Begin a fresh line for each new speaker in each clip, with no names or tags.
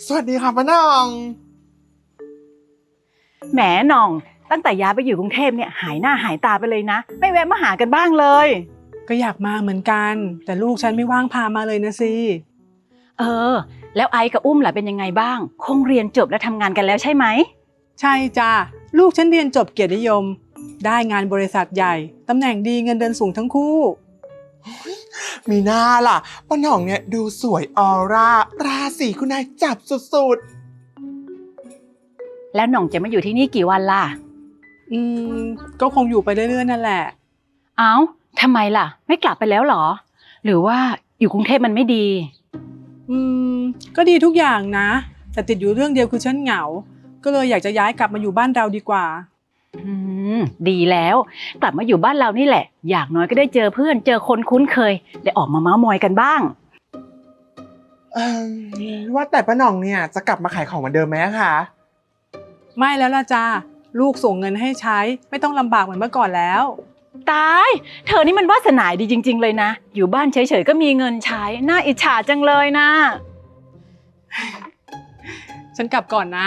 วัสดีค่ะป้าน้อง
แหมหน่องตั้งแต่ย้ายไปอยู่กรุงเทพเนี่ยหายหน้าหายตาไปเลยนะไม่แวะมาหากันบ้างเลย
ก็อยากมาเหมือนกันแต่ลูกฉันไม่ว่างพามาเลยนะสิ
เออแล้วไอซ์กับอุ้มล่ะเป็นยังไงบ้างคงเรียนจบและทำงานกันแล้วใช่ไหม
ใช่จ้ะลูกฉันเรียนจบเกียรตินิยมได้งานบริษัทใหญ่ตำแหน่งดีเงินเดือนสูงทั้งคู่
มีหน้าล่ะป้าน้องเนี่ยดูสวยออร่าราศีคุณนายจับสุด
แล้วหน่องจะมาอยู่ที่นี่กี่วันล่ะ
อืมก็คงอยู่ไปเรื่อยๆนั่นแหละ
เอ้าทำไมล่ะไม่กลับไปแล้วหรอหรือว่าอยู่กรุงเทพมันไม่ดี
อืมก็ดีทุกอย่างนะแต่ติดอยู่เรื่องเดียวคือฉันเหงาก็เลยอยากจะย้ายกลับมาอยู่บ้านเราดีกว่า
อืดีแล้วกลับมาอยู่บ้านเรานี่แหละอย่างน้อยก็ได้เจอเพื่อนเจอคนคุ้นเคยได้ออกมาเม้ามอยกันบ้าง
ว่าแต่ป้าน้องเนี่ยจะกลับมาขายของเหมือนเดิมไหมคะ
ไม่แล้วล่ะจ้าลูกส่งเงินให้ใช้ไม่ต้องลำบากเหมือนเมื่อก่อนแล้ว
ตายเธอนี่มันวาสนาดีจริงๆเลยนะอยู่บ้านเฉยๆก็มีเงินใช้น่าอิจฉาจังเลยนะ
ฉันกลับก่อนนะ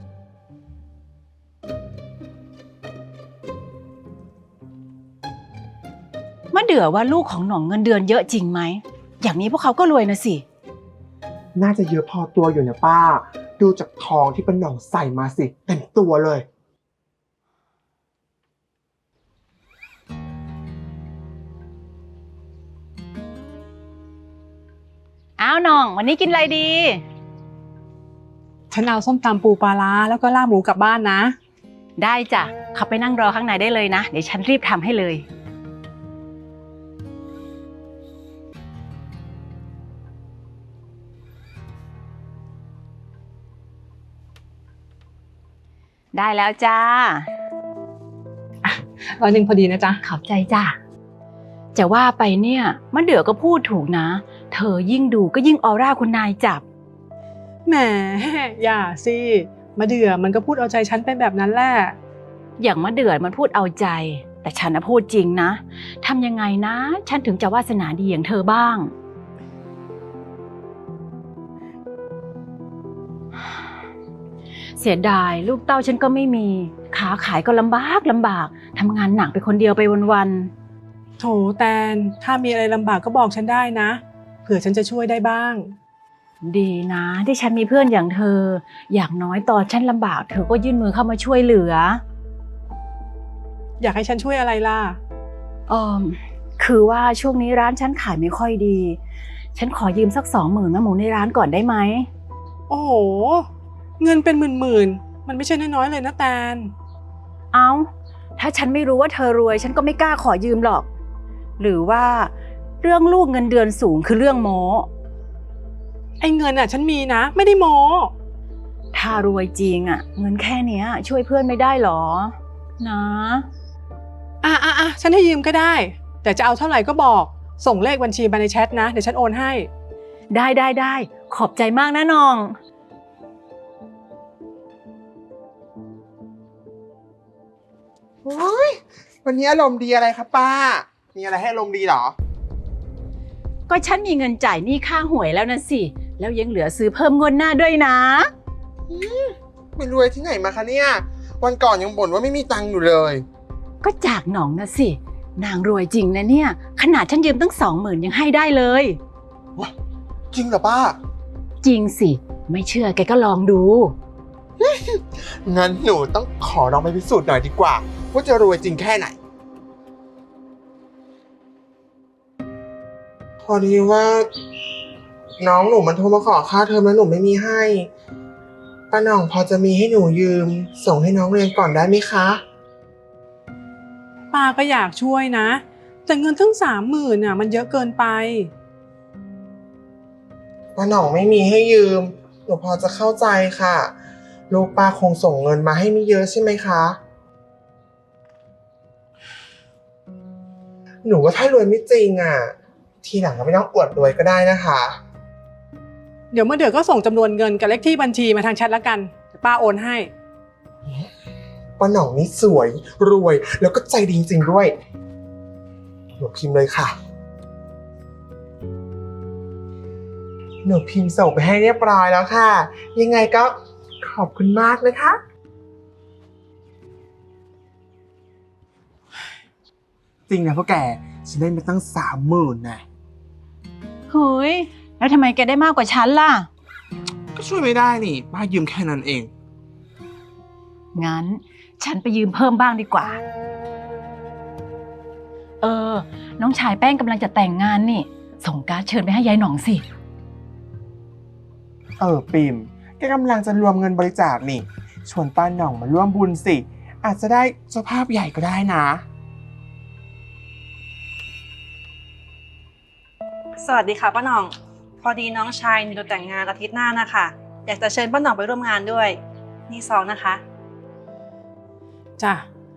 มะเดื่อว่าลูกของหน่องเงินเดือนเยอะจริงไหมอย่างนี้พวกเขาก็รวยนะสิ
น่าจะเยอะพอตัวอยู่นะป้าดูจากทองที่ป้าน้องใส่มาสิเต็มตัวเลย
อ้าวหน่องวันนี้กินอะไรดี
ฉันเอาส้มตำปูปลาร้าแล้วก็ลาบหมูกลับบ้านนะ
ได้จ้ะขับไปนั่งรอข้างในได้เลยนะเดี๋ยวฉันรีบทำให้เลยได้แล้วจ้า
100พอดีนะจ๊ะ
ขอบใจจ้าจะว่าไปเนี่ยมะเดื่อก็พูดถูกนะเธอยิ่งดูก็ยิ่งออร่าคุณนายจับ
แหมอย่าสิมาเดือมันก็พูดเอาใจฉันเป็นแบบนั้นแหละ
อย่างมะเดื่อมันพูดเอาใจแต่ฉันนะพูดจริงนะทำยังไงนะฉันถึงจะวาสนาดีอย่างเธอบ้างเสียดายลูกเต้าฉันก็ไม่มีขาขายก็ลำบากทำงานหนักไปคนเดียวไปวัน
ๆโถแตนถ้ามีอะไรลำบากก็บอกฉันได้นะเผื่อฉันจะช่วยได้บ้าง
ดีนะที่ฉันมีเพื่อนอย่างเธออย่างน้อยตอนฉันลำบากเธอก็ยื่นมือเข้ามาช่วยเหลือ
อยากให้ฉันช่วยอะไรล่ะ
คือว่าช่วงนี้ร้านฉันขายไม่ค่อยดีฉันขอยืมสัก20,000นะหมูในร้านก่อนได้ไหม
โอ้โหเงินเป็นหมื่นมันไม่ใช่น้อยๆเลยนะแตน
เอาถ้าฉันไม่รู้ว่าเธอรวยฉันก็ไม่กล้าขอยืมหรอกหรือว่าเรื่องลูกเงินเดือนสูงคือเรื่องโม้
ไอ้เงินฉันมีนะไม่ได้โม้
ถ้ารวยจริงเงินแค่เนี้ยช่วยเพื่อนไม่ได้หรอนะ
ฉันให้ยืมก็ได้แต่จะเอาเท่าไหร่ก็บอกส่งเลขบัญชีมาในแชทนะเดี๋ยวฉันโอนให้
ได้ขอบใจมากนะน้อง
วันนี้อารมณ์ดีอะไรครับป้ามีอะไรให้อารมณ์ดีหรอ
ก็ฉันมีเงินจ่ายหนี้ค่าหวยแล้วนะสิแล้วยังเหลือซื้อเพิ่มงวดหน้าด้วยนะ
ไม่รวยที่ไหนมาคะเนี่ยวันก่อนยังบ่นว่าไม่มีตังค์อยู่เลย
ก็จากหนองนะสินางรวยจริงนะเนี่ยขนาดฉันยืมตั้ง20,000ยังให้ได้เลย
จริงเหรอป้า
จริงสิไม่เชื่อแกก็ลองดู
งั้นหนูต้องขอลองไปพิสูจน์หน่อยดีกว่าว่าจะรวยจริงแค่ไหนพอดีว่าน้องหนูมันโทรมาขอค่าเทอมแล้วหนูไม่มีให้ป้าหน่องพอจะมีให้หนูยืมส่งให้น้องเรียนก่อนได้ไหมคะ
ป้าก็อยากช่วยนะแต่เงินทั้ง30,000มันเยอะเกินไป
ป้าหน่องไม่มีให้ยืมหนูพอจะเข้าใจค่ะลูกป้าคงส่งเงินมาให้ไม่เยอะใช่ไหมคะหนูว่าถ้ารวยไม่จริงทีหลังก็ไม่ต้องอวดรวยก็ได้นะคะ
เดี๋ยวเมื่อเดือนก็ส่งจำนวนเงินกับเลขที่บัญชีมาทางแชทแล้วกันป้าโอนให้
ป้าหน่องนี่สวยรวยแล้วก็ใจดีจริงๆด้วยหนูพิมพ์เลยค่ะหนูพิมพ์ส่งไปให้เรียบร้อยแล้วค่ะ ยังไงก็ขอบคุณมากนะคะ จริงนะพวกแกฉันได้มาตั้ง30,000นะ
เฮ้ย แล้วทำไมแกได้มากกว่าฉันล่ะ
ก็ช่วยไม่ได้นี่ป้ายืมแค่นั้นเอง
งั้นฉันไปยืมเพิ่มบ้างดีกว่า น้องชายแป้งกำลังจะแต่งงานนี่ ส่งการ์ดเชิญไปให้ยายหน่องสิ
ปิมแกกำลังจะรวมเงินบริจาคนี่ ชวนป้าหน่องมาร่วมบุญสิ อาจจะได้เจ้าภาพใหญ่ก็ได้นะ
สวัสดีค่ะป้าหน่อง พอดีน้องชายมีแต่งงานอาทิตย์หน้านะคะ อยากจะเชิญป้าหน่องไปร่วมงานด้วย นี่ซองนะคะ
จ้ะ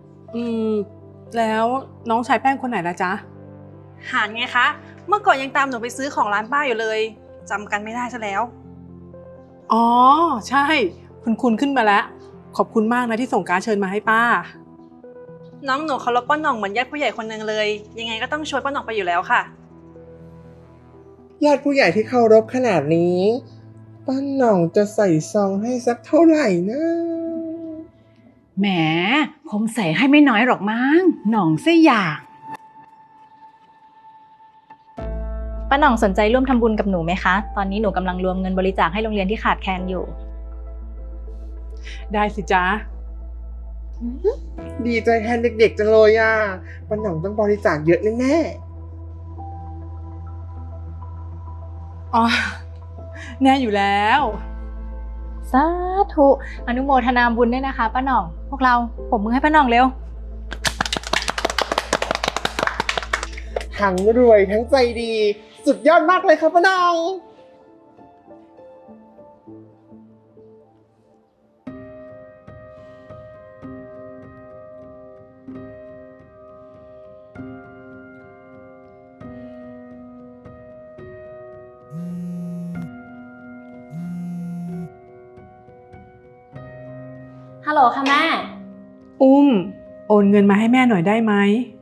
แล้วน้องชายแป้งคนไหนละจ๊ะ
หานไงคะ เมื่อก่อนยังตามหนูไปซื้อของร้านป้าอยู่เลยจำกันไม่ได้ซะแล้ว
อ๋อ ใช่ คุณขึ้นมาแล้ว ขอบคุณมากนะที่ส่งการ์ดเชิญมาให้ป้า
น้องหนูเคารพป้าหน่องเหมือนญาติผู้ใหญ่คนหนึ่งเลย ยังไงก็ต้องชวนป้าหน่องไปอยู่แล้วค่ะ
ญาติผู้ใหญ่ที่เคารพขนาดนี้ ป้าหน่องจะใส่ซองให้สักเท่าไหร่นะ
แหมคงใส่ให้ไม่น้อยหรอกมั้ง หน่องเสียอย่าง
ป้าหน่องสนใจร่วมทำบุญกับหนูไหมคะ ตอนนี้หนูกำลังรวมเงินบริจาคให้โรงเรียนที่ขาดแคลนอยู่
ได้สิจ๊ะ
ดีใจแทนเด็กๆจังเลยอ่ะป้าหน่องต้องบริจาคเยอะแน่
อ๋อ แน่อยู่แล้ว
สาธุอนุโมทนาบุญด้วยนะคะป้าหน่อง พวกเราปรบมือให้ป้าหน่องเร็ว
ๆทั้งรวยทั้งใจดี สุดยอดมากเลยครับป้าหน่อง
ฮัลโหลค่ะแม่
อุ้ม โอนเงินมาให้แม่หน่อยได้ไหม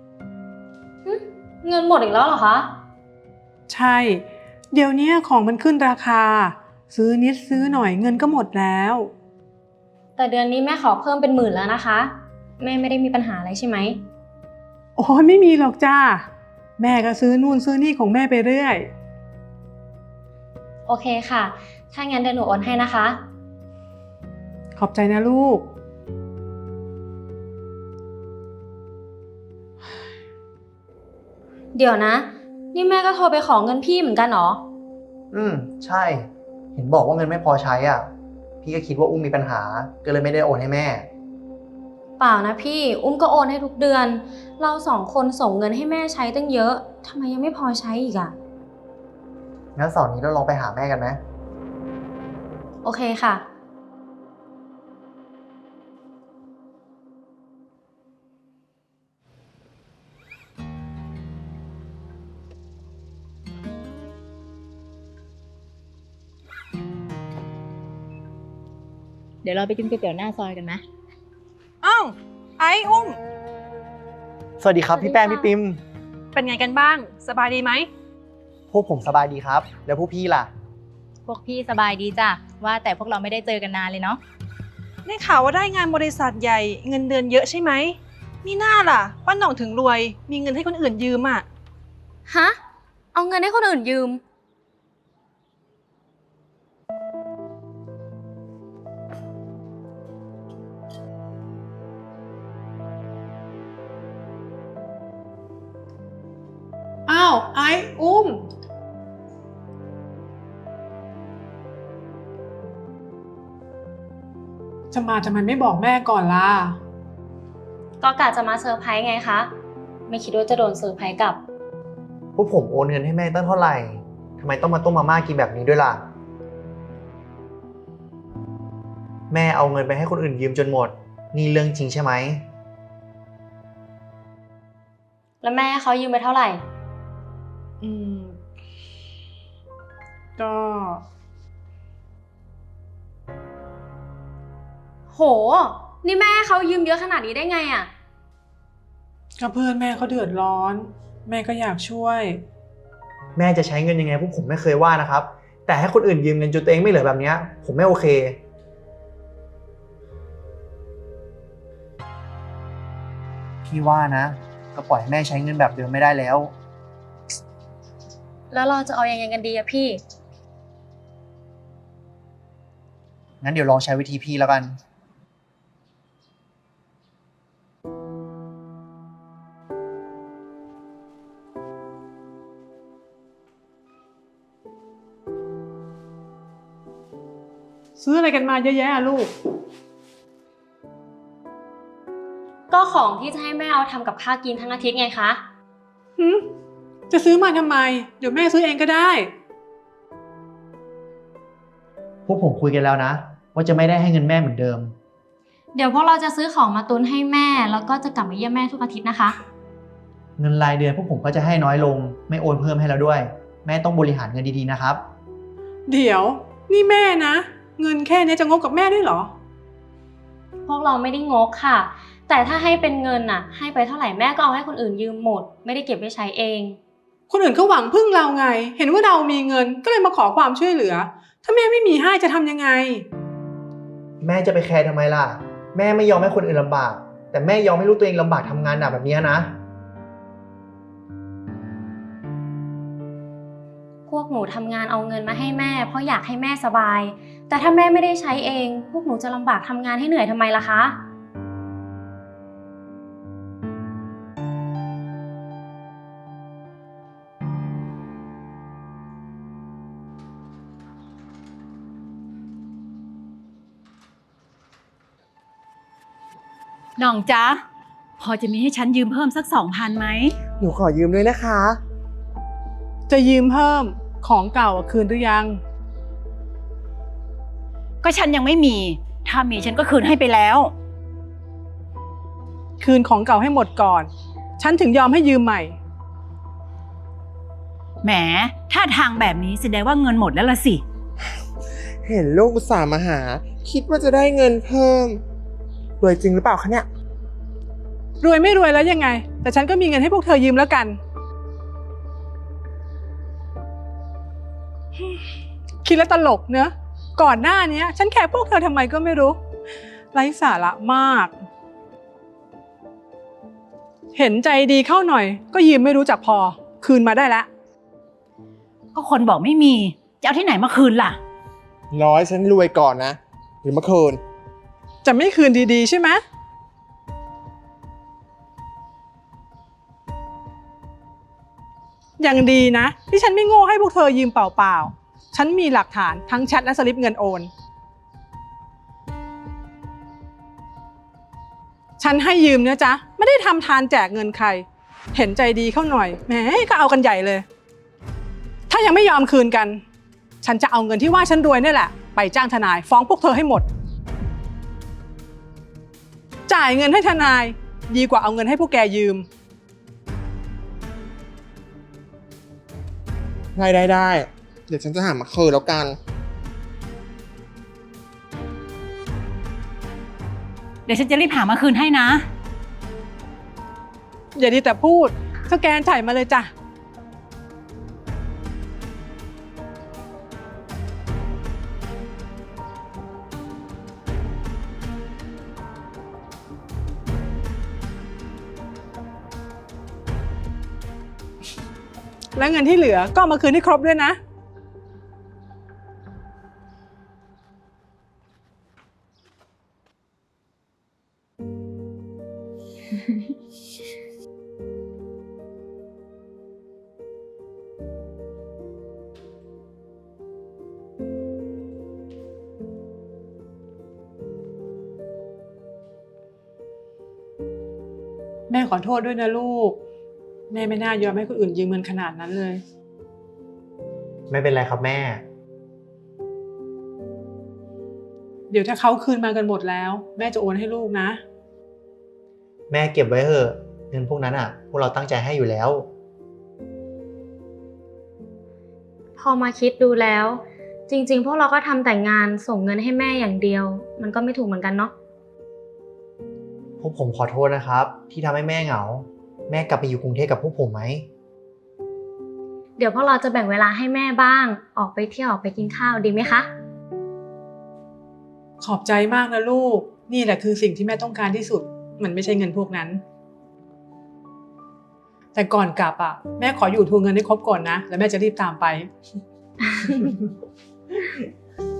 เงินหมดอีกแล้วเหรอคะ
ใช่ เดี๋ยวนี้ของมันขึ้นราคา ซื้อนิดซื้อหน่อยเงินก็หมดแล้ว
แต่เดือนนี้แม่ขอเพิ่มเป็น10,000แล้วนะคะ แม่ไม่ได้มีปัญหาอะไรใช่ไหม
โอ้ยไม่มีหรอกจ้า แม่ก็ซื้อนู่นซื้อนี่ของแม่ไปเรื่อย
โอเคค่ะ ถ้างั้นเดี๋ยวหนูโอนให้นะคะ
ขอบใจนะลูก
เดี๋ยวนะ นี่แม่ก็โทรไปขอเงินพี่เหมือนกันเหรอ
ใช่ เห็นบอกว่าเงินไม่พอใช้อ่ะ พี่ก็คิดว่าอุ้มมีปัญหา ก็เลยไม่ได้โอนให้แม่
เปล่านะพี่ อุ้มก็โอนให้ทุกเดือน เรา2 คนส่งเงินให้แม่ใช้ตั้งเยอะ ทำไมยังไม่พอใช้อีกอะ
งั้นเสาร์นี้เราลองไปหาแม่กันไหม
โอเคค่ะ
เดี๋ยวเราไปกินก๋วยเตี๋ยวหน้าซอยกันไหม
อ้าว ไอ้อุ้ม
สวัสดีครับพี่แป้งพี่ปิม
เป็นไงกันบ้าง สบายดีไหม
พวกผมสบายดีครับ แล้วพวกพี่ล่ะ
พวกพี่สบายดีจ้ะ ว่าแต่พวกเราไม่ได้เจอกันนานเลยเนาะ
ได้ข่าวว่าได้งานบริษัทใหญ่เงินเดือนเยอะใช่ไหมมีหน้าล่ะป้าหน่องถึงรวย มีเงินให้คนอื่นยืมอ่ะ
ฮะ เอาเงินให้คนอื่นยืม
อ้าว ไอ้อุ้ม จะมาทำไมไม่บอกแม่ก่อนล่ะ
ก็กะจะมาเซอร์ไพรส์ไงคะ ไม่คิดว่าจะโดนเซอร์ไพรส์กลับ
พวกผมโอนเงินให้แม่ตั้งเท่าไหร่ทำไมต้องมาต้มมาม่ากินแบบนี้ด้วยล่ะ แม่เอาเงินไปให้คนอื่นยืมจนหมด นี่เรื่องจริงใช่ไหม
แล้วแม่เขายืมไปเท่าไหร่
อืม ก็
โห นี่แม่เขายืมเยอะขนาดนี้ได้ไงอะ
ก็เพื่อนแม่เขาเดือดร้อน แม่ก็อยากช่วย
แม่จะใช้เงินยังไงพวกผมไม่เคยว่านะครับแต่ให้คนอื่นยืมเงินจนตัวเองไม่เหลือแบบเนี้ยผมไม่โอเคพี่ว่านะก็ปล่อยให้แม่ใช้เงินแบบเดิมไม่ได้แล้ว
แล้วเราจะเอายังไงกันดีอะพี่
งั้นเดี๋ยวลองใช้วิธีพี่แล้วกัน
ซื้ออะไรกันมาเยอะแยะอะลูก
ก็ของที่จะให้แม่เอาทำกับข้าวกินทั้งอาทิตย์ไงคะ
จะซื้อมาทำไม เดี๋ยวแม่ซื้อเองก็ได้
พวกผมคุยกันแล้วนะ ว่าจะไม่ได้ให้เงินแม่เหมือนเดิม
เดี๋ยวพวกเราจะซื้อของมาตุนให้แม่ แล้วก็จะกลับมาเยี่ยมแม่ทุกอาทิตย์นะคะ
เงินรายเดือนพวกผมก็จะให้น้อยลง ไม่โอนเพิ่มให้แล้วด้วย แม่ต้องบริหารเงินดีๆนะครับ
เดี๋ยว นี่แม่นะ เงินแค่นี้จะงกกับแม่ด้วยเหรอ
พวกเราไม่ได้งกค่ะ แต่ถ้าให้เป็นเงินน่ะ ให้ไปเท่าไหร่แม่ก็เอาให้คนอื่นยืมหมด ไม่ได้เก็บไว้ใช้เอง
คนอื่นเขาหวังพึ่งเราไง เห็นว่าเรามีเงินก็เลยมาขอความช่วยเหลือ ถ้าแม่ไม่มีให้จะทำยังไง
แม่จะไปแคร์ทำไมล่ะ แม่ไม่ยอมให้คนอื่นลำบาก แต่แม่ยอมให้ลูกตัวเองลำบากทำงานหนักแบบนี้นะ
พวกหนูทำงานเอาเงินมาให้แม่ เพราะอยากให้แม่สบาย แต่ถ้าแม่ไม่ได้ใช้เอง พวกหนูจะลำบากทำงานให้เหนื่อยทำไมล่ะคะ
น้องจ๊ะพอจะมีให้ฉันยืมเพิ่มสัก2,000ไหม
หนูขอยืมด้วยนะคะ
จะยืมเพิ่มของเก่าอะคืนหรือยัง
ก็ฉันยังไม่มี ถ้ามีฉันก็คืนให้ไปแล้ว
คืนของเก่าให้หมดก่อน ฉันถึงยอมให้ยืมใหม่
แหมถ้าทางแบบนี้แสดงว่าเงินหมดแล้วล่ะสิ
เห็นลูกอุตส่าห์มาหา คิดว่าจะได้เงินเพิ่มรวยจริงหรือเปล่าคะเนี่ย
รวยไม่รวยแล้วยังไง แต่ฉันก็มีเงินให้พวกเธอยืมแล้วกัน คิดแล้วตลกเนอะก่อนหน้านี้ฉันแคร์พวกเธอทำไมก็ไม่รู้ ไร้สาระมาก เห็นใจดีเข้าหน่อย ก็ยืมไม่รู้จักพอ คืนมาได้แล้ว
ก็คนบอกไม่มี จะเอาที่ไหนมาคืนล่ะ
ร้อยฉันรวยก่อนนะ หรือมาคืน
จะไม่คืนดีๆใช่ไหมอย่างดีนะที่ฉันไม่โง่ให้พวกเธอยืมเปล่าๆ ฉันมีหลักฐานทั้งแชทและสลิปเงินโอน ฉันให้ยืมนะจ๊ะไม่ได้ทำทานแจกเงินใคร เห็นใจดีเข้าหน่อยแหมก็เอากันใหญ่เลย ถ้ายังไม่ยอมคืนกัน ฉันจะเอาเงินที่ว่าฉันรวยนี่แหละไปจ้างทนายฟ้องพวกเธอให้หมด จ่ายเงินให้ทนายดีกว่าเอาเงินให้พวกแกยืม
ได้ เดี๋ยวฉันจะหามาคืนแล้วกัน
เดี๋ยวฉันจะรีบหามาคืนให้นะ
อย่าดีแต่พูดสแกนจ่ายมาเลยจ้ะ แล้วเงินที่เหลือก็เอามาคืนให้ครบด้วยนะ แม่ขอโทษด้วยนะลูก แม่ไม่น่ายอมให้คนอื่นยืมเงินขนาดนั้นเลย
ไม่เป็นไรครับแม่
เดี๋ยวถ้าเขาคืนมากันหมดแล้ว แม่จะโอนให้ลูกนะ
แม่เก็บไว้เถอะเงินพวกนั้นอ่ะ พวกเราตั้งใจให้อยู่แล้ว
พอมาคิดดูแล้ว จริงๆ พวกเราก็ทำแต่งานส่งเงินให้แม่อย่างเดียว มันก็ไม่ถูกเหมือนกันเนาะ
พวกผมขอโทษนะครับ ที่ทำให้แม่เหงา แม่กลับไปอยู่กรุงเทพกับพวกผมไหม
เดี๋ยวพวกเราจะแบ่งเวลาให้แม่บ้าง ออกไปเที่ยวออกไปกินข้าวดีไหมคะ
ขอบใจมากนะลูก นี่แหละคือสิ่งที่แม่ต้องการที่สุด มันไม่ใช่เงินพวกนั้น แต่ก่อนกลับอ่ะ แม่ขออยู่ทวงเงินให้ครบก่อนนะ แล้วแม่จะรีบตามไป